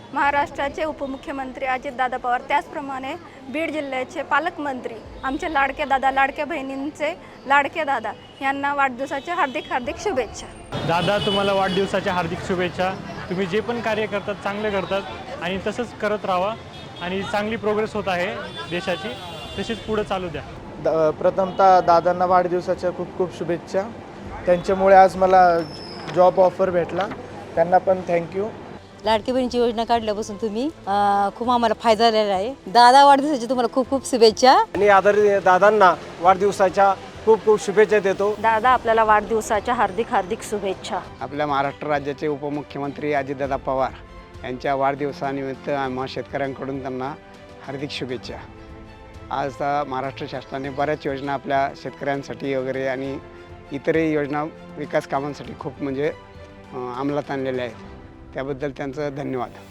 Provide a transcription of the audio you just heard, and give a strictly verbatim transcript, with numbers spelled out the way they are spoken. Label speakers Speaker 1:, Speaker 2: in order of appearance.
Speaker 1: महाराष्ट्राचे उपमुख्यमंत्री अजितदादा पवार, त्याचप्रमाणे बीड जिल्ह्याचे पालकमंत्री आमचे लाडके दादा, लाडक्या बहिणींचे लाडके दादा यांना वाढदिवसाच्या हार्दिक हार्दिक शुभेच्छा.
Speaker 2: दादा, तुम्हाला वाढदिवसाच्या हार्दिक शुभेच्छा. तुम्ही जे पण कार्य करतात चांगले करतात आणि तसंच करत राहा आणि चांगली प्रोग्रेस होत आहे देशाची, तशीच पुढे चालू द्या.
Speaker 3: द प्रथमतः दादांना वाढदिवसाच्या खूप खूप शुभेच्छा. त्यांच्यामुळे आज मला जॉब ऑफर भेटला, त्यांना पण थँक्यू.
Speaker 4: लाडकी बहिणीची योजना काढल्यापासून तुम्ही खूप आम्हाला फायदा झालेला आहे. दादा, वाढदिवसाची तुम्हाला खूप खूप शुभेच्छा.
Speaker 5: आणि आदरणीय दादांना वाढदिवसाच्या खूप खूप शुभेच्छा देतो.
Speaker 6: दादा, आपल्याला वाढदिवसाच्या हार्दिक हार्दिक शुभेच्छा.
Speaker 7: आपल्या महाराष्ट्र राज्याचे उपमुख्यमंत्री अजितदादा पवार यांच्या वाढदिवसानिमित्त आम्हा शेतकऱ्यांकडून त्यांना हार्दिक शुभेच्छा. आज महाराष्ट्र शासनाने बऱ्याच योजना आपल्या शेतकऱ्यांसाठी वगैरे आणि इतरही योजना विकास कामांसाठी खूप म्हणजे अंमलात आणलेल्या आहेत. त्याबद्दल त्यांचं धन्यवाद.